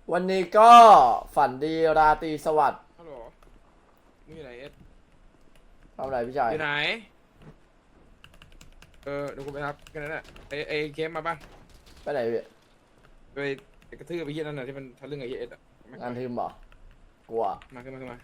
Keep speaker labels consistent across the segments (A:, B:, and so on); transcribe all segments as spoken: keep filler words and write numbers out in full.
A: วันนี้ก็ฝันดีราตรีสวัสดิ์
B: ฮัลโหลมึงอยู่ไหนเอส
A: ทำอะไรพี่ชาย
B: อยู่ไหนเออเดี๋ยวกูไปรับแค่นั้นแหละไอไอเคมมาป่ะ
A: ไปไหนพี่
B: ไปไปกระทืบไปเฮียนั่นน่ะที่มันทะลึ่งไอเอสอ่ะม
A: งานทีมบ่กลัว
B: มาขึ้นมาขึ้นมา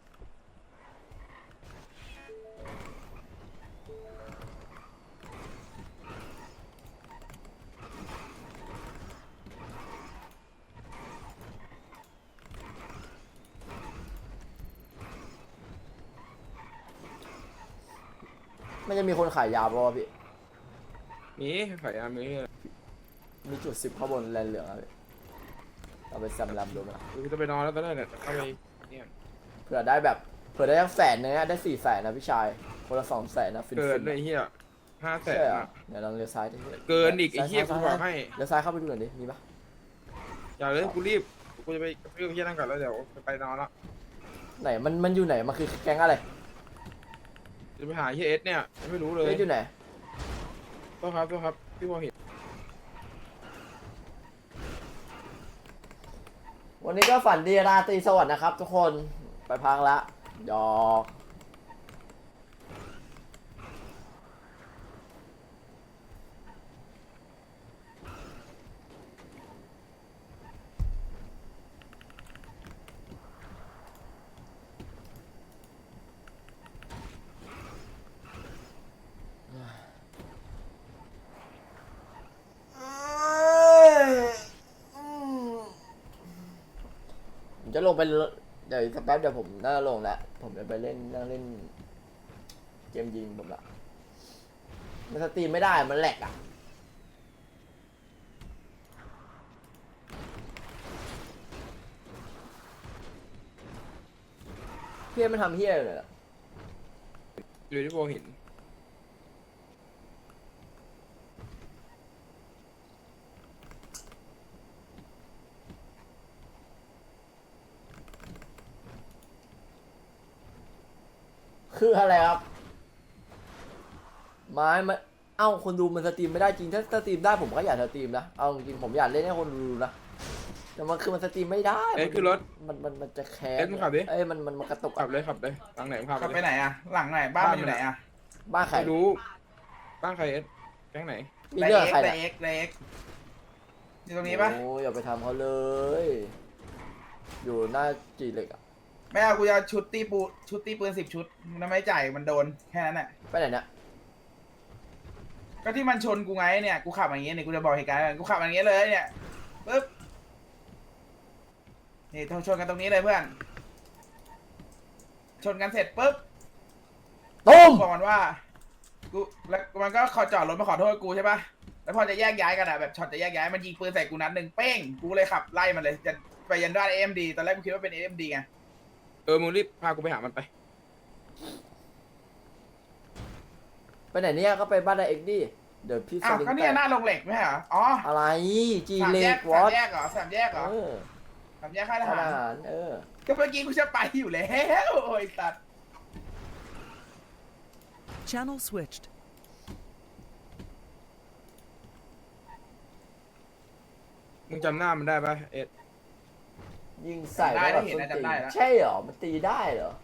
A: ไม่จะมีคนขายยาป่ะวะพี่
B: มีขายยามี
A: มีจุดสิบข้างบนแลนเหลืองอะพี่เราไปแซมแลมดูไหม
B: กูจะไปนอนแล้วตอนนั้นเนี่ยเข้าไปเนี่ย
A: เผื่อได้แบบเผื่อได้ทั้งแสนเนื้อได้สี่แสนนะพี่ชายคนละสองแสนนะฟิน
B: เกิ
A: ฟิ
B: น
A: น
B: เลยเฮียห้าแสน
A: ใช่เหรอ
B: อ่ะ
A: เดี๋ยวลองเลี้ยวซ้ายดิ
B: เกินอีกไอ้เหี้ยกูบอกให้
A: เลี้ยวซ้ายเข้าไปดูหน่อยดิมีปะ
B: อย่าเลยกูรีบกูจะไปกระทืบเฮียนั่นก่อนแล้วเดี๋ยวไปนอนละ
A: ไหนมันมันอยู่ไหนมันคือแก๊งอะไร
B: จะไปหาเฮียเอสเนี่ยไม่รู้เลย
A: เอ๊ะอยู่ไหน
B: ตัวครับตัวครับพี่พอเห็น
A: วันนี้ก็ฝันดีราตรีสวัสดิ์นะครับทุกคนไปพักละหยอกผมจะลงไปเดี๋ยวสักแป๊บเดี๋ยวผมน่าจะลงแล้วผมจะไปเล่นนั่งเล่นเกมยิงผมละมันสตรีมไม่ได้มันแหลกอ่ะเพี่มันทำเฮี้ยเลยอ่ะ
B: อยู่ที่พอเห็น
A: คืออะไรครับไม้มันเอ้าคนดูมันสตรีมไม่ได้จริงถ้าสตรีมได้ผมก็อยากสตรีมนะเอาจริงผมอยากเล่นให้คนดูนะแต่มันคือมันสตรีมไม่ได้
B: เอ็ดขึ้นรถ
A: มันมันมันจะแคส
B: เอ็ดมึงขับดิ
A: เอ้ยมันมันมันกระตุก
B: ขับเลยขับเลยหลังไหนมึงขับ
C: ขับ
B: เล
C: ไป
B: ย
C: ไหนอะหลังไหนบ้านมันอยู่ไหนอะ
A: บ้านใคร
B: ไม่รู้บ้านใครเอ็ดแก๊งไหน
A: มีเรื่องใคร
C: ได
A: เนี่ย
C: เอ็กไดเอ็กอยู่ตรงนี้ปะ
A: โอ้ยอย่าไปทำเขาเลย อยู่หน้าจีเหล็กอะ
C: ไม่เอากูจะเอาชุดตีปูชุดตีปืนสิบชุดมันไม่จ่ายมันโดนแค่นั้นแหละ
A: ไปไหนเนี่ย
C: ก็ที่มันชนกูไงเนี่ยกูขับอย่างเงี้ยเนี่ยกูจะบอกเหตุการณ์ให้กูขับอย่างเงี้ยเลยเนี่ยปึ๊บนี่ชนกันตรงนี้เลยเพื่อนชนกันเสร็จปุ๊บ
A: ตุ้ม
C: บอกมันว่ากูแล้วมันก็ขอจอดรถมาขอโทษกูใช่ปะแล้วพอจะแยกย้ายกันอะแบบช็อตจะแยกย้ายมันยิงปืนใส่กูนัดหนึ่งเป้งกูเลยขับไล่มันเลยจะไปยันด้านเอ็มดีตอนแรกกูคิดว่าเป็นเอ็มดีไง
B: เออมึงรีบพากูไปหามันไป
A: ไปไหนเนี่ยก็ไปบ้านไดเอ็กดิเดี๋ยวพี่ส
C: อ้าว
A: ลิง
C: ก็เนี่ยหน้าโรงเหล็กไม่ใช่เหรออ๋อ
A: อะไรจี
C: สาม
A: เหล็
C: แย
A: ก
C: ก
A: วอ
C: สาม
A: ต
C: แยกเหรอสามแยกเหรอ
A: เออ
C: สามแยกค่ายท
A: ท
C: หาร
A: หารเออ
C: ก็เมื่อกี้กูจะไปอยู่แล้วโอ้ยตัด
D: Channel switched.
B: มึงจำหน้ามันได้ปะเอ็ด
A: ยิงใส่
C: ได้
A: แล้ว
C: ได้เห็น
A: แบบ
C: นะ
A: ส้นตี
C: จำได้แล้ว
A: ใช่เหรอมันตีได้เหรอ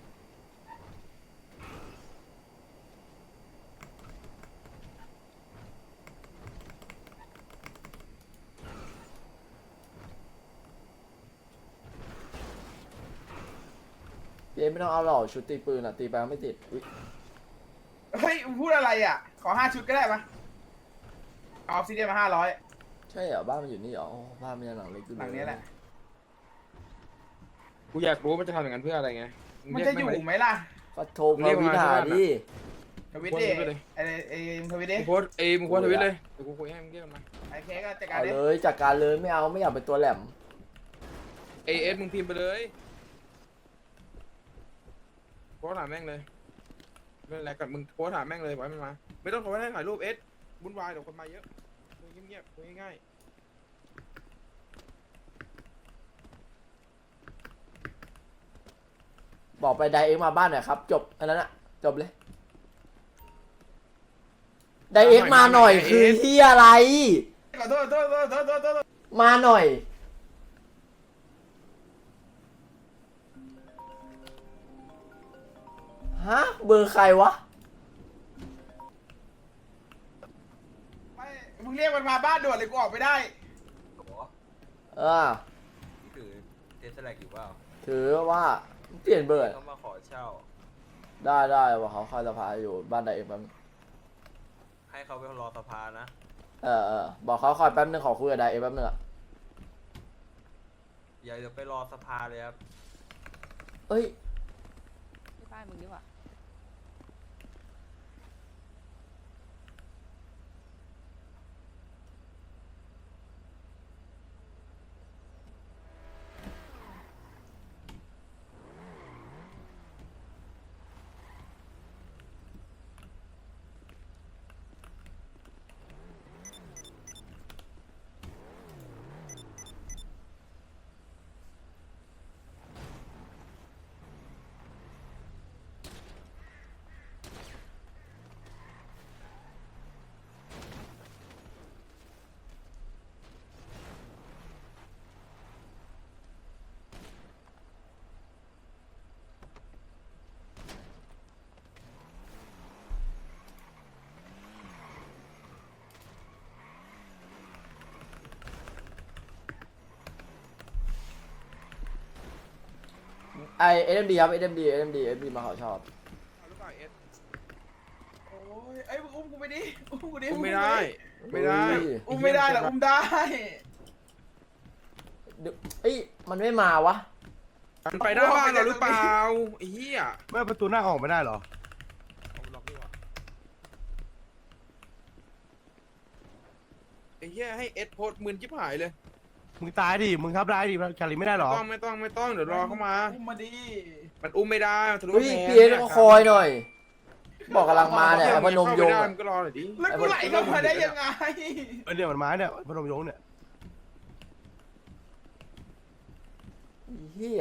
A: เจ๊ไม่ต้องเอาหรอกชุดตีปืนอ่ะตีไปไม่ติดอุ๊ย
C: เฮ้ยพูดอะไรอ่ะขอห้าชุดก็ได้ปะเอาออฟซิเดียนมาห้าร้อย
A: ใช่เหรอบ้านมันอยู่นี่เหรออ๋อบ้านมันยังหลังเล็กอยู่
C: หลังนี้แหละ
B: กูอยากรู้มันจะทำอย่างนั้นเพื่ออะไรไง
C: มันจะอยู่ไหมล่ะ
A: ก็โทรมาวิธาดิ
C: ทวิตดิไอ้ไอ้ทวิตดิ
B: มึงโพสเอ้ยมึงโพสทวิตเลยเดี๋ยวกูคุยให้มึงเรียกมันมา
C: ไอ้เคก็จัดการ
A: เอา
C: ดิ
A: เลยจัดการเลยไม่เอาไม่อยากเป็นตัวแหลม
B: เอเอสมึงพิมพ์ไปเลยโพสถามแม่งเลยไม่เป็นไรกับมึงโพสถามแม่งเลยบอกให้มันมาไม่ต้องโทรให้ถ่ายรูปเอสวุ่นวายเดี๋ยวคนมาเยอะคุยเงียบๆคุยง่าย
A: บอกไปไดเอ็กมาบ้านหน่อยครับจบอันนั้นอะจบเลยไดเอ็กมาหน่อยคือที่อะไร
C: ขอโทษโทษโทษโทษโทษโทษ
A: มาหน่อยฮะเบอร์ใครวะ
C: ไม่มึงเรียกมันมาบ้านด่วนเลยกูออกไม่ได้
D: โอ้โห
A: เออ
D: นี่คือเทสแลกอยู่เปล่า
A: ถือว่าเปลี่ยนเบอร์
D: เขามาขอเช่า
A: ได้ได้ว่าเขาเข้าสภาอยู่บ้านใดเองแป๊บนึง
D: ให้เขาไปรอสภานะ
A: เออเออบอกเขาคอยแป๊บนึงขอคุยกับไดเองแป๊บนึงอะ
D: อย่าเดี๋ยวไปรอสภาเลยครับ
A: เอ้ย
E: ที่บ้านมึงดีกว่า
A: ไอเอ็มดีครับเอ็มดีเอ็มดีเอ็มดีมาเขาชอบ
B: เอาหรือเปล่าเอส
C: โอ้ยเอ้ยมึงอุ้มกูไปดิอุ้มกูดิ
B: อุ้มไม่ได้ไม่ได้
A: เฮ้ย
C: อุ้มไม่ได้หรออุ้มได้
A: เดี๋ยวเอ้ยมันไม่มาวะ
B: มันไปหน้าบ้านเราหรือเปล่าไอ้เหี้ย
F: ไม่ประตูหน้าออกไม่ได้เหรอ
B: เอาล็อกดีกว่าไอ้เหี้ยให้เอสโพสต์มืนจิ๊บหายเลย
F: มึงตายดิ มึงทับได้ดิแคลรี่ไม่ได้เหรอ
B: ไม่ต้องไม่ต้องไม่ต้องเดี๋ยวรอเข้ามา
C: อุ้มมาดิ
B: มันอุ้มไม่ได้มันทะลุ
A: เฮ้ย
B: กำแพง
A: พีเอสก็คอยหน่อย บอกกำลังมาเนี่ยไอ้พนมยง
B: เข้าไได้
A: อะ
B: มันก็รอหน่อยดิ
C: แล้วกูไหลเข้ามาได้ยังไง
F: เออเนี่ยมันมาเนี่ยพนมยงค์เนี่ย
A: เฮีย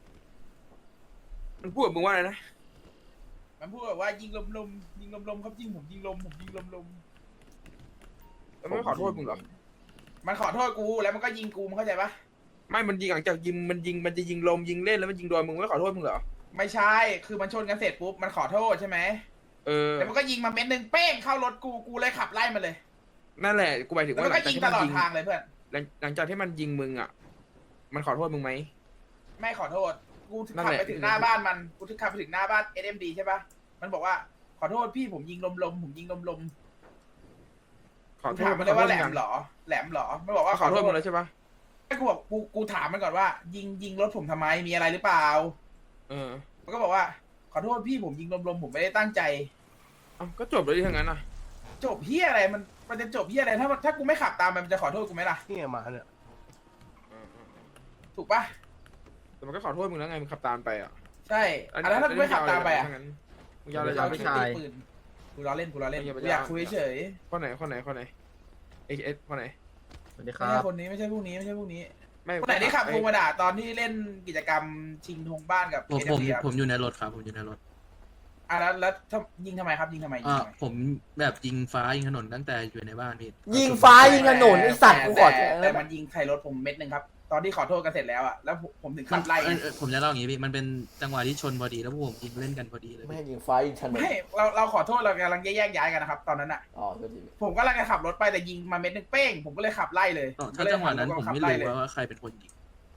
B: มันพูดกับมึงว่าอะไรนะ
C: มันพูดแบบว่ายิงลมๆยิงลมๆครับยิงผมยิงลมผมยิงลม
B: มันไม่ขอโทษมึงเหรอ
C: ๆมันขอโทษกูแล้วมันก็ยิงกูมึงเข้าใจปะ
B: ไม่มันยิงหลังจากยิงมันยิงมันจะยิงลมยิงเล่นแล้วมันยิงโดนมึงไม่ขอโทษมึงเหรอ
C: ไม่ใช่คือมันชนกันเสร็จปุ๊บมันขอโทษใช่ไหม
B: เออ
C: แล้วมันก็ยิงมาเม็ดหนึ่งเป้งเข้ารถกูกูเลยขับไล่มันเลย
B: นั่นแหละกูหมายถึง
C: แล้ว
B: ว่า
C: มัน
B: หลั
C: ก็
B: งจาก
C: ยิง
B: ที่
C: ต
B: มัน
C: ลอด
B: ยิง
C: ทางเลยเพื่อน
B: หลังหลังจากที่มันยิงมึงอ่ะมันขอโทษมึงไหม
C: ไม่ขอโทษกู
B: นั่น
C: ขับ
B: แหละ
C: ไปถึงหน้าบ้านมันกูขับไปถึงหน้าบ้าน เอส เอ็ม ดี ใช่ปะมันบอกว่าขอโทษพี่ผมยิงลมๆผมยิงลม
B: ขอ
C: ๆกู
B: โท
C: ถา
B: ษ
C: มมันเลยว่าแหล
B: ขอ
C: ม
B: โทษ
C: เหรอแหลมเหรอมันบอกว่า
B: ขอโทษมึงแล้วใช่ปะ
C: ให้กูบอกกูกูถามมันก่อนว่า ยิงยิงรถผมทำไมมีอะไรหรือเปล่า
B: เออ
C: มันก็บอกว่าขอโทษพี่ผมยิงลมๆผมไม่ได้ตั้งใจ
B: เอ้าก็จบเลยที่ทั้งนั้นอ่ะ
C: จบเฮียอะไรมันมันจะจบเฮียอะไรถ้าถ้ากูไม่ขับตามมันมันจะขอโทษกูไหมล่ะ
F: นี่ไงมาเนี่ย
B: เออเออเออ
C: ถูกปะ
B: แต่มันก็ขอโทษมึงแล้วไงมึงขับตามไปอ่ะ
C: ใช่อ่ะแล้วถ้ากูไม่ขับตามไปอ่ะ
B: มึงยาวเลยยาวเลย
C: ตี
B: ยาวเลย
C: ปืนกูล้อเล่นกูล้อเล่น
B: ไม่อย่าไป
C: กูอยากคุยเฉย
B: คนไหนคนไหนคนไหนเอเอสคนไหน
G: สวัสดี
C: ๆ
G: ค
C: ไม่
G: รั
C: ใช่
G: บ
C: คนนี้ไม่ใช่พวกนี้ไม่ใช่พวกนี้
B: ไม่
C: คนไหนที่ขับโทรมาด่าตอนที่เล่นกิจกรรมชิงธงบ้านกับ
G: ผม
C: เอ
G: ผม
C: เดีย
G: ผมอยู่ในรถครับ ผมอยู่ในรถ
C: อ่ะแล้วแล้วถ้ายิงทำไมครับยิงทำไมยิง
G: อ่า
C: ทำไม
G: ผมแบบยิงฟ้ายิงถนนตั้งแต่อยู่ในบ้านพี่
A: ยิงฟ้ายิงถนนไอสัตว์กูขอ
C: แต่
A: แทง
C: แต่มันยิงใส่รถผมเม็ดหนึ่งครับ ตอนที่ขอโทษกันเสร็จแล้วอ่ะแล้วผมผมถึง
G: มั
C: ขั
G: น
C: บไล่
G: เออเออผมจะเล่าอย่างงี้พี่ มันเป็นจังหวะที่ชนพอดีแล้วพวกผมยิงเล่นกันพอดีเลย
A: ไม่
G: พี่
A: ให้ยิงฟ้ายิงถนน
C: ไม่เราเราขอโทษเรากำลังแยกย้ายกันนะครับ ตอนนั้นอ่ะ
A: อ๋อก็ดี
C: ผมก็กำลังจะขับรถไปแต่ยิงมาเม็ดหนึ่งเป้งผมก็เลยขับไล่เลย
G: อ๋อ
C: ก็
G: ถ้า
C: เลย
G: จังหวะนั้น
C: หั
G: ผม
C: ขับ
G: ไม่
C: ไล่
G: รู้
C: เลย
G: ว่าใครเป็นคนยิง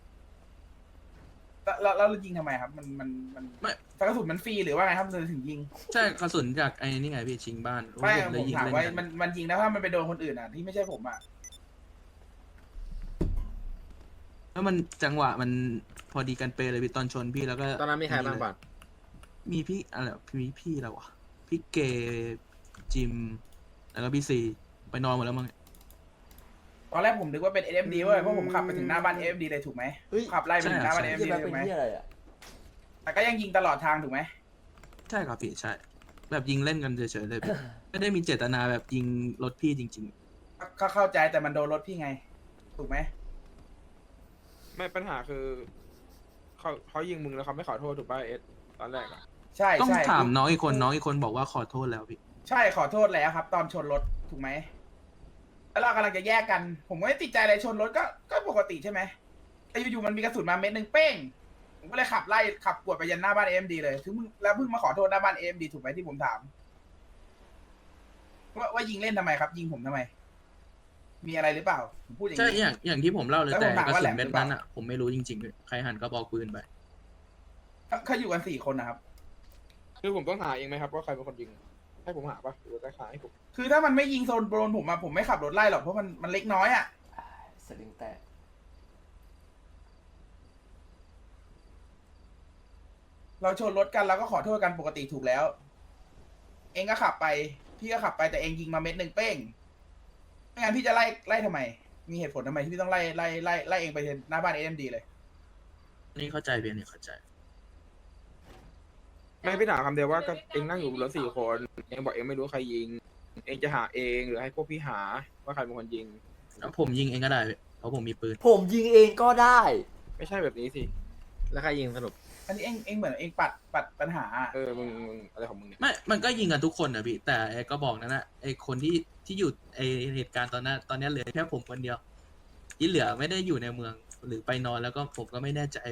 C: แล้วแล้วแล้วยิงทำไมครับ มันมันมัน
G: ไม่
C: กระสุนมันฟรีหรือว่าไงครับมันถึงยิง
G: ใช่กระสุนจากไอ้นี่ไงพี่ชิงบ้าน
C: ไม่
G: ผมเล
C: ผ
G: ย
C: ม
G: ยิง
C: ถาม
G: เล่น
C: ว่า
G: กัน
C: มันมันยิงแล้วถ้ามันไปโดนคนอื่นอ่ะที่ไม่ใช่ผมอ่ะ
G: แล้วมันจังหวะมันพอดีกันเปเลยพี่ตอนชนพี่แล้วก็
H: ตอนนั้นมีใครบ้างบัตร
G: มีพี่อะไรมีพี่อะไรวะพี่เกจิมแล้วก็พี่ซีไปนอนหมดแล้วมั้ง
C: ตอนแรกผมนึกว่าเป็น เอ เอ็ม ดี เว้ยเพราะผมขับไปถึงหน้าบ้าน เอ เอ็ม ดี เลยถูกไหม
A: เฮ้ย
C: ขับไล่ไปถึงหน้าบ้าน เอ เอ็ม
A: ที่
C: ดี
A: แบ
C: เล
A: บ
C: ย
A: เป็
C: ถูกไหม
A: นที่อะไรอ่ะ
C: แต่ก็ยังยิงตลอดทางถูกไหม
G: ใช่ครับพี่ใช่ แบบยิงเล่นกันเฉยๆเลยพี่ ไม่ได้มีเจตนาแบบยิงรถพี่จริง
C: ก็เข้าใจแต่มันโดนรถพี่ไง ถูกไหม
B: ไม่ปัญหาคือเขาเขายิงมึงแล้วเขาไม่ขอโทษถูกป่ะเอสตอนแรกอ่ะ
C: ใช่
G: ๆ ต้อง
C: ใช่
G: ถามน้องอีกคนน้องอีกคนบอกว่าขอโทษแล้วพี่
C: ใช่ขอโทษแล้วครับ ตอนชนรถถูกไหมแล้วเรากำลังจะแยกกัน ผมไม่ได้ติดใจอะไรชนรถก็ก็ปกติใช่ไหมแต่อยู่ๆมันมีกระสุนมาเม็ดหนึ่งเป้งผมก็เลยขับไล่ขับกวดไปยันหน้าบ้านเอ็มดีเลยถึงมึงแล้วเพิ่งมาขอโทษหน้าบ้านเอ็มดีถูกไหมที่ผมถามว่าว่ายิงเล่นทำไมครับ ยิงผมทำไม มีอะไรหรือเปล่าผมพูดอย่าง
G: ใช่
C: นี้
G: อย่างอย่างที่ผมเล่าเลย
C: แล้ว
G: แต่
C: ผมถาม
G: กระ
C: ว่า
G: สุ
C: แหล
G: น
C: ม
G: เม็ด
C: หรือเปล่า
G: นั้นอ่ะผมไม่รู้จริงๆเลยใครหันกระบอกปืนไป
C: เขาเขาอยู่กันสี่คนนะครับ
B: คือผมต้องหาเองไหมครับว่าใครเป็นคนยิงให้ผมหาปะหรือว่าจะหาให้ผม
C: คือถ้ามันไม่ยิงโซนโดนผมอะผมไม่ขับรถไล่หรอกเพราะมันมันเล็กน้อยอะ
A: สลิงแตก
C: เราชนรถกันเราก็ขอโทษกันปกติถูกแล้ว เองก็ขับไป พี่ก็ขับไปแต่เองยิงมาเม็ดหนึ่งเป้งไม่งั้นพี่จะไล่ไล่ทำไม มีเหตุผลทำไมที่พี่ต้องไล่ไล่ไล่ไล่เองไปหน้าบ้านเอ็มดีเลย
G: นี่เข้าใจเพียงนี่เข้าใจ
B: ไม่พี่ถามคำเดียวว่าก็เองนั่งอยู่บนรถสี่คนเองบอกเองไม่รู้ใครยิง เองจะหาเองหรือให้พวกพี่หาว่าใครเป็นคนยิง
G: ผมยิงเองก็ได้พี่เพราะผมมีปืน
A: ผมยิงเองก็ได้
B: ไม่ใช่แบบนี้สิ
H: แล้วใครยิงสรุป
C: อันนี้เองเองเหมือนเองปัดปัดปัญหาอะ
B: เออมึงมึงอะไรของมึงเนี่ย
G: ไม่ มันก็ยิงกันทุกคนนะพี่ แต่ไอ้ก็บอกนั่นนะไอ้คนที่ที่อยู่ไอ้เหตุการณ์ตอนนั้นตอนนี้เหลือแค่ผมคนเดียว ที่เหลือไม่ได้อยู่ในเมืองหรือไปนอนแล้วก็ผมก็ไม่แน่ใจ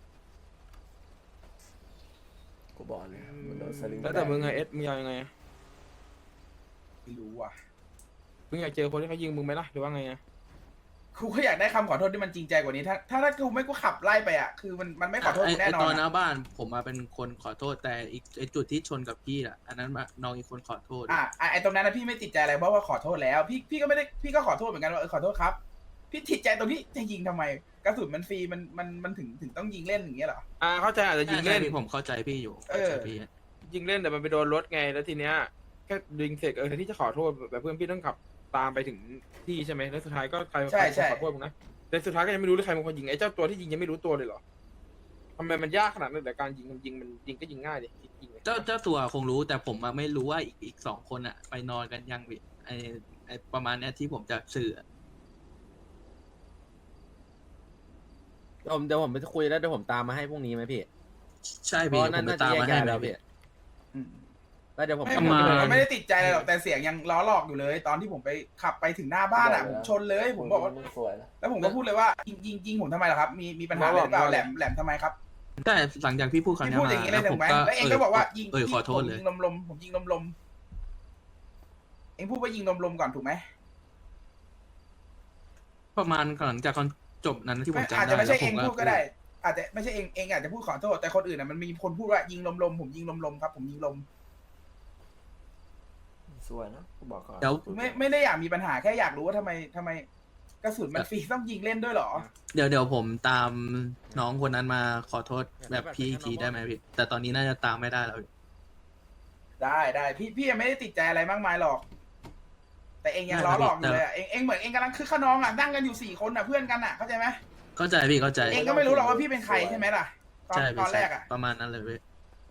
A: กูบอกเลยมันโดนสลิง
B: แล้วแต่มึงไงเอสมึงเอายังไงอะ
C: ไม่รู้ว่ะ
B: มึงอยากเจอคนที่เขายิงมึงไหมล่ะหรือว่าไงอะ
C: กูก็อยากได้คำขอโทษที่มันจริงใจกว่านี้ ถ้าถ้าถ้ากูไม่กูขับไล่ไปอะคือมันมันไม่ขอโทษ
G: ไอ้
C: กูแน่
G: ไอ้
C: นอ
G: ตอน นห
C: อะ
G: น้าบ้านผมมาเป็นคนขอโทษแต่อีกไอ้จุดที่ชนกับพี่อ่ะอันนั้นมาน้องอีกคนขอโทษ
C: อ่ะอ่ะไอ้ตรงนั้นนะพี่ไม่ติดใจอะไรเพราะว่าขอโทษแล้ว พี่พี่ก็ไม่ได้พี่ก็ขอโทษเหมือนกันว่าเออขอโทษครับ พี่ติดใจตรงที่จะยิงทำไมกระสุนมันฟรีมันมันมันถึงถึงต้องยิงเล่นอย่างเงี้ยเหรอ
B: อ่าเข้าใจอาจจะยิง
G: ใช่
B: เล่น
G: พี่ผมเข้าใจพี่อยู่
C: เอ
G: เข้า
C: อ
G: ใจพี่
B: ยิงเล่นแต่มันไปโดนรถไงแล้วทีเนี้ยแค่ดึงเสร็จเออแทนที่จะขอโทษแบบเพื่อนพี่ต้องขับตามไปถึงที่ใช่ไหมแล้วสุดท้ายก็ใคร
C: ใช่
B: ใคร
C: ใช่
B: ขอโทษมึงนะแต่สุดท้ายก็ยังไม่รู้เลยใครเป็นคนยิงไอ้เจ้าตัวที่ยิงยังไม่รู้ตัวเลยเหรอทำไมมันยากขนาดนั้นแต่การยิงมันยิงมันยิงก็ยิงง่ายดิยิงเลย
G: เจ้าเจ้าตัวคงรู้แต่ผมอะไม่รู้ว่าอีกอีกสองคนอ่ะ ไปนอนกันยังพี่ไอไอประมาณเนี้ยที่ผมจะสื่ออะ
H: ผมเดี๋ยวผมไปคุยแล้วเดี๋ยวผมตามมาให้พรุ่งนี้ไหมพี่
G: ใช่
H: เพ
G: พี่
H: ราะ
G: ผ
H: นั่
G: ม
H: น
G: ไป
H: น่าจะ
G: ตาม
H: แยก
G: มาให้
H: ย้าย
G: แล้
H: แล้ว
G: ว
H: พี่
G: พี่
C: อืม
H: แล้วเดี๋ยวผม
C: ไม่
G: ป
C: ผ
G: ระ
C: ม
G: มาณ
C: ผมไม่ได้ติดใจอะไรหรอกแต่เสียงยังล้อหลอกอยู่เลย ตอนที่ผมไปขับไปถึงหน้าบ้านอ่ะผมชนเลย ผมบอกว่า
A: มึงสวยนะ
C: แล้วผมก็พูดเลยว่ายิงยิงยิงผมทำไมล่ะครับ มีมีปัญหาอะไรหรือเปล่าแหลมแหลมทำไมครับ
G: ใช่หลังจากพี่พูดคำ
C: พี่
G: นี้
C: พูด
G: มา
C: อย่างนี้เล
G: แล้
C: ยว
G: ผ
C: ถู
G: ม
C: กไหม
G: ก็
C: แล้วเองก็บอกว่ายิง
G: เออขอโทษ
C: ผม
G: เลย
C: ยิงลมลมผมยิงลมลมเองพูดว่ายิงลมลมก่อนถูกไหม
G: ประมาณหลังจากตอนจบนั้นที่ผม
C: ไม่
G: จำ
C: อาจ
G: ได้
C: จะไม่ใช่
G: แล้วผ
C: เอง
G: มก็
C: พูดก็ได้ อาจจะไม่ใช่เองเองอาจจะพูดขอโทษแต่คนอื่นอ่ะมันมีคนพูดว่ายิงลมลมผมยิงลมลมครับ ผมยิงลม
A: สวยนะกูบอกก่อน
G: เดี๋ยว
C: ไม่ไม่ได้อยากมีปัญหาแค่อยากรู้ว่าทำไมทำไมกระสุนมันฟรีต้องยิงเล่นด้วยเหรอ
G: เดี๋ยวเดี๋ยวผมตามน้องคนนั้นมาขอโทษแบบพี่อีกทีได้ไหมพี่แต่ตอนนี้น่าจะตามไม่ได้แล้วพี่
C: ได้ได้พี่พี่ยังไม่ได้ติดใจอะไรมากมายหรอก แต่เองยังล้อหลอกอยู่เลยอ่ะเองเองเหมือนเองกำลังคือขนองอ่ะนั่งกันอยู่สี่คนอ่ะเพื่อนกันอ่ะเข้าใจไหม
G: เข้าใจพี่เข้าใจ
C: เองก็ไม่รู้หรอกว่าพี่เป็นใครใช่ไหมล่ะตอน
G: ใช่
C: ต
G: พี่
C: อนแร
G: ใช่
C: กอ่ะ
G: ประมาณนั้นเลยพี่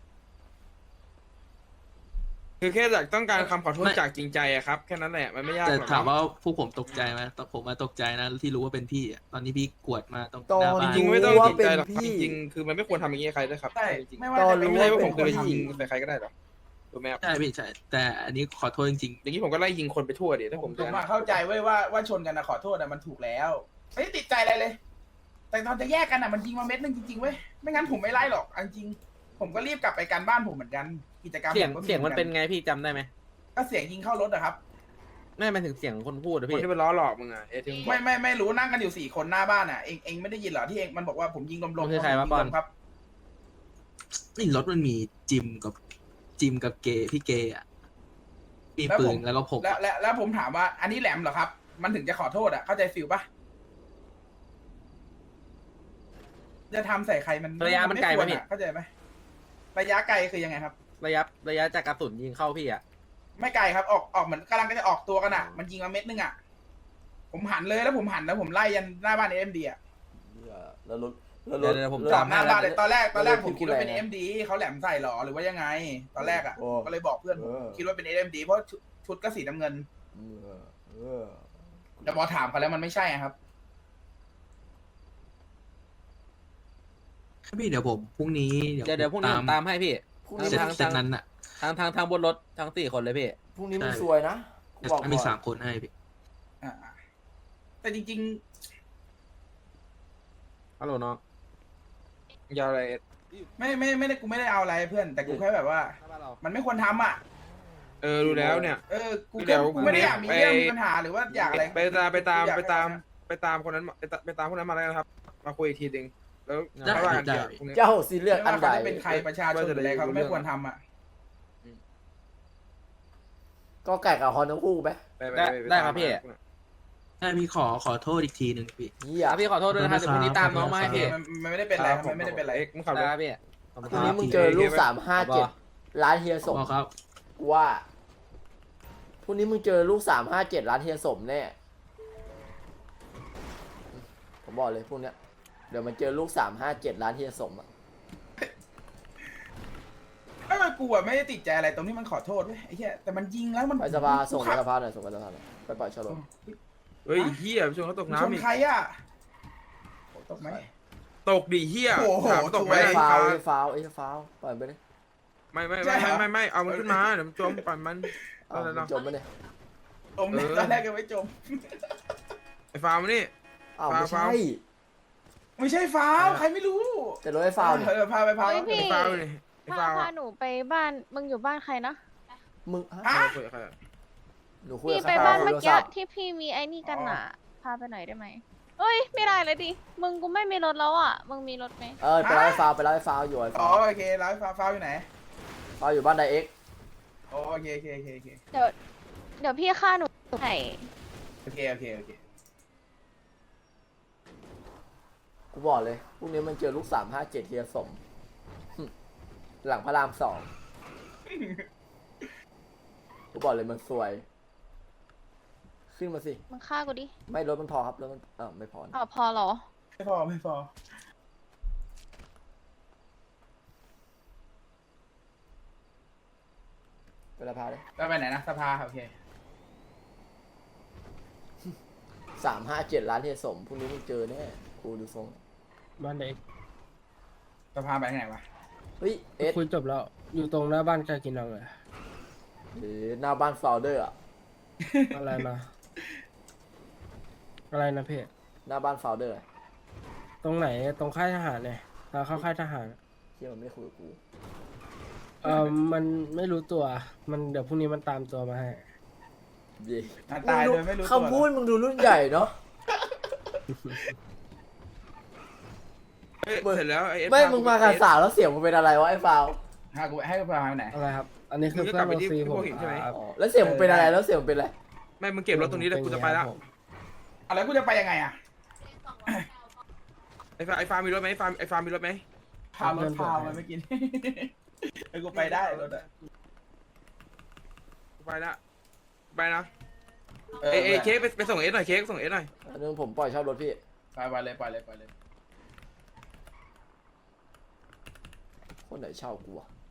B: คือแค่อยากต้องการคำขอโทษจากจริงใจอะครับแค่นั้นแหละมันไม่ยาก
G: แต่
B: หรอก
G: ถามว่าพวกผมตกใจไหมตอนผมมาตกใจนะที่รู้ว่าเป็นพี่อะตอนนี้พี่กวดมาตรง
A: ตอ
G: หน้าน บ้าน
B: จริงๆไม่ต้อง
A: ว่า
B: จริง
A: เป็น
B: ใจหรอก
A: พี่
B: จริงๆคือมันไม่ควรทำอย่างนี้กับใครด้วยครับ
C: ใช่
B: จริงๆ
C: ไม่ว่า
A: ตอน
C: จะเป็น
A: รู้
B: ไม่
C: ไม่
B: ใช่
C: ใช่
B: ว่า
C: ว่า
B: ผ
C: ผม ม
B: เค
C: เค
B: ย
C: ย
B: ยิ
C: ยิ
B: ง
C: ง
B: ใส่ใครก็ได้หรอกถูกไหมครับ
G: ใช่พี่ใช่แต่อันนี้ขอโทษจริง
B: อย่างนี้ผมก็ไล่ยิงคนไปทั่วดิถ้า
C: ผ
B: ผม ม
C: ผม
B: จะ
C: อะเข้าใจไว้ยว่าว่าชนกันนะขอโทษอะมันถูกแล้วไม่ได้ติดใจอะไรเลย แต่ตอนจะแยกกันอะมันยิงมาเม็ดนึงจริงๆเว้ยไม่งั้นผมไม่ไล่หรอกเอาจริงผมก็รีบกลับไปการบ้านผมเหมือนกันกิจกรรม
H: เสียง
C: ผก็
H: เสียงมันเป็น
C: หอกั
H: ไงพี่จำได้ไหม
C: ก็เสียงยิงเข้ารถอะครับ
H: ไม่หมายถึงเสียงคนพูดอะ
B: คน
H: พี่
B: ที่ไปล้อหลอกมึงอะเอทิง
C: ไม่ไม่ไม่รู้นั่งกันอยู่สี่คนหน้าบ้านอะเองเองไม่ได้ยินเหรอที่เองมันบอกว่าผมยิงลมๆ
H: มันคือใครวะ
C: ผม
H: ป
C: ยิ
H: อง น
C: ลมครับ
G: นี่รถมันมีจิมกับจิมกับเกย์พี่เกย์อ่ะมีปืนแล้วก็ผม
C: แล้วแล้วแล้วผมถามว่า อันนี้แหลมเหรอครับ มันถึงจะขอโทษอะเข้าใจฟิลปะจะทำใส่ใครมัน
H: ระยะมันไกล
C: คว
H: ปะ
C: ร
H: พี่
C: อะเข้าใจไหมระยะไกลคือยังไงครับ
H: ระยะระยะจากกระสุนยิงเข้าพี่อะ
C: ไม่ไกลครับออกออกเหมือนกำลังจะออกตัวกันอะมันยิงมาเม็ดนึงอะผมหันเลยแล้วผมหันแล้วผมไล่ยันหน้าบ้านเอ็มดีอะ
A: เนี่ยแล้วรถแล้วร
H: เดี๋ยว
A: ถ
H: เดี๋ยวผม
A: แล้ว
C: จ
H: ต
C: อดหน้าบ้านเลยตอนแรกตอนแรก
A: แล้ว
C: ผมคิดว่าเป็น
A: พี่
C: เอ็
A: กู
C: ม
A: แรง
C: ดีเขาแหลมใส่หรอหรือว่ายังไง ตอนแรกอะ
A: โอ้
C: ก็เลยบอกเพื่อนผม
A: เออ
C: คิดว่าเป็นเอ็มดีเพราะชุดชุดก็สีน้ำเงิน
A: เออเออ
C: แต่พอถามเขาแล้วมันไม่ใช่อะครับ
G: พี่เดี๋ยวผมพรุ่งนี้
H: เดี๋ยวเดี๋ยวพรุ่งนี้ผมตามให้พี่
A: พรุ่ง
G: เส
A: นี้
G: ร็จ
H: ทาง
G: เสร็จนั้นอ่ะ
H: ทางทางทางบนรถทั้งสี่คนเลยพี่
A: พรุ่งนี้มึง
G: ใช่
A: สวยนะกูบอก
G: มี
A: ก่อน
G: สามคนให้พี่
C: อ่าแต่จริง
H: ฮัลโหลน้อง
C: ๆ
B: ยาวอะไรเอ็ด
C: ไม่ไม่ไม่ได้กูไม่ได้เอาอะไรเพื่อน แต่กูแค่แบบว่า มันไม่ควรทำอ่ะ
B: เออรู้แล้วเนี่ย
C: เออ กู
B: เดี๋
C: แค่
B: ยว
C: กูไม่ได้อยากมี
B: ไป
C: เรื่องมีปัญหาหรือว่าอยากอะไร
B: ไปตามไปตาม
C: อยก
B: ไป
C: ให้
B: ตาม
C: นะ
B: ไปตามคนนั้นมาไปตามไปตามคนนั้นมาแล้วนะครับ มาคุยอีกทีหนึงแล้ว
G: ได้
B: ค่อยว่ากัน
G: ได้
B: เดี๋ยวพรุ่งนี้
A: เจ้าซีเรียส
C: ไม่
A: อัน
C: ว่า
A: ใด
C: เขาจะเป็นใครประชาชนหรืออะไรเขาก็ไม่ควรทำอ่ะ
A: ก็ไก่กับฮอนทั้งคู่ไหม
B: ไปไป
H: ได้
B: ป
H: ได้
B: ตาม
H: ครับพี่
G: ได้พี่ขอขอโทษอีกทีหนึ่งพี่
A: เฮีย
H: อ่ะพี่ขอโทษด้วยนะครับเดี๋ยวพรุ่งนี้ตามน้องมาให้พี่
C: มันมันไม่ได้เป็นไรครับมันไม่ได้เป็นไร
B: เอ็กซ์มึงขับร
H: ได้
B: ถ
H: ครับพี่ขอบคุณ
A: พรุ่ง
H: ค
A: นี้
H: รับ
A: มึงเจอลูกสามห้าเจ็ดร้านเฮียสม
G: บอกครับ
A: กูว่าพรุ่งนี้มึงเจอลูกสามห้าเจ็ดร้านเฮียสมแน่ผมบอกเลยพวกเนี้ยเดี๋ยวมันเจอลูกสามห้าเจ็ดร้านเฮียสมอะ
C: ไม่ไม่กูอะไม่ได้ติดใจอะไรตรงที่มันขอโทษเว้ยไอ้เหี้ยแต่มันยิงแล้วมัน
A: ไปสภาส่ง
C: กู
A: ไป
C: ขับ
A: สภาหน่อยส่งไปสภาหน่อยไปปล่อยชะโลม
B: เฮ้ยเฮียไปชนเขาตก
C: ชน
B: น้ำอีก
C: ใครอ่ะตกไหม
B: ตกดิเฮีย
C: โอ้โห
B: ถามตกไหม
C: สวย
A: ไอ้
B: ไอ้
A: ฟาว
B: ฟ้า
A: ไอ้ฟาวไอ้ฟาวปล่อยไปเลย
B: ไม่ไม่
C: ใช่
B: ไม่
C: เหรอ
B: ไม่ไม่เอามันขึ้นมาเดี๋ยวมันจมปั่นมัน
A: อ้าว
B: เอาแล้ว
A: มึ
B: เนาะ
A: งจมไปเลย
C: จมเนี่ย
B: เออ
C: ตอนแรกก็ไม่จม
B: ไอ้ฟ้ามานี่
A: อ้าว
B: ฟาว
A: ไม่ใช่
B: ฟาว
C: ไม่ใช่ฟ้าวใครไม่รู้
A: แต่รถไอ้ฟาวเนี่ย
C: เออพาไปพา
E: เฮ้ยพี่
B: ไอ้ฟ้ามานี่ไอ้
E: พา
B: ฟ้า
E: พาหนูไปบ้าน มึงอยู่บ้านใครนะ
A: มึง
C: ฮะ
A: ฮะ
B: คุยกับใครอะ
A: หนูคุย
E: พี่
A: กับ
E: ไป
A: ใคร
E: บ้าน
A: คุ
E: เมื่
A: ย
E: อ
A: โทร
E: กี้
A: ศัพท์
E: ที่พี่มีไอ้นี่กันน่ะ พาไปหน่อยได้ไหมเอ้ย ไม่ได้เลยดิ มึงกูไม่มีรถแล้วอ่ะ มึงมีรถไหม
A: เออไปรับไอ้ฟาวไปรับไอ้ฟาวอยู่ไอ้
C: อ๋
A: ฟา
C: อ
A: ว
C: โอเคร้านฟ้าวฟ้าวอยู่ไหน
A: ฟาวอยู่บ้านไดเอ็ก
C: อ๋อโอเคโอเคโอเคโอเค
E: เดี๋ยว เดี๋ยวพี่ฆ่าหนูให้
C: โอเคโอเคโอเค
A: กูบอกเลยพรุ่งนี้มันเจอลูกสามห้าเจ็ดเฮียสมหึหลังพระรามสองกูบอกเลยมันสวย ขึ้นมาสิ
E: มึงฆ่ากูดิ
A: ไม่รถมันพอครับรถมันเออไม่พอนะ
E: อ๋อพอเหรอ
C: ไม่พอไม่พอ
A: ไปละพาเลย
C: แล้วไปไหนนะสภาโอเค
A: สามห้าเจ็ดร้านเฮียสมพรุ่งนี้มึงเจอแน่กูดูทรง
I: บ้านเด็ก
C: สภาไปทางไหนวะ
A: เฮ้ยเอส
I: คุยจบแล้ว อยู่ตรงหน้าบ้านกากินังเลย
A: หรือหน้าบ้านฟาวเดอร์อะ
I: อะไรนะ อะไรนะพี่
A: หน้าบ้านฟาวเดอร์
I: ตรงไหนตรงค่ายทหารเนี่ยทางเข้าค่ายทหาร
A: เฮียมันไม่ได้คุยกับกู
I: เออมันไม่รู้ตัว มันเดี๋ยวพรุ่งนี้มันตามตัวมาให้
A: เย่
C: อ่ะตายโดยไม่รู้ตัว
A: คำพูดมึงดูรุ่นใหญ่เนาะ
B: เฮ้ยเสร็จแล้วไอ้เอ็ด
A: ไม่
B: พ
A: มึงมากับสาวแล้วเสียงมึงเป็นอะไรวะไอ้ฟาว
C: หากูให้กูพาไปไหน
I: อะไรครับ อันนี้คือเพื่อนโอซีผมครับ
A: อ๋อแล้วเสียงมึงเป็นอะไรแล้วเสียงมึงเป็นอะไร
B: ไม่มึงเก็บรถตรงนี้เลยกูจะไปแล้ว
C: อะไรกูจะไปยังไงอ่ะ
B: ไอ้ฟ้าไอ้ฟ้ามีรถไหมไอ้ฟ้าไอ้ฟ้ามีรถไหม
C: พารถพาวมันไม่กิน ไอ้กูไปได้รถอะ
B: กูไปละไปนะ
C: เอ
B: เอ้
C: อย
B: เอ้ยเค้กไปไปส่งเอสหน่อยเค้กส่งเอสหน่อย
A: อันนึงผมปล่อยเช่ารถพี่
C: ไปไปเลยไปเลยไปเลย
A: คนไหนเช่ากูอะ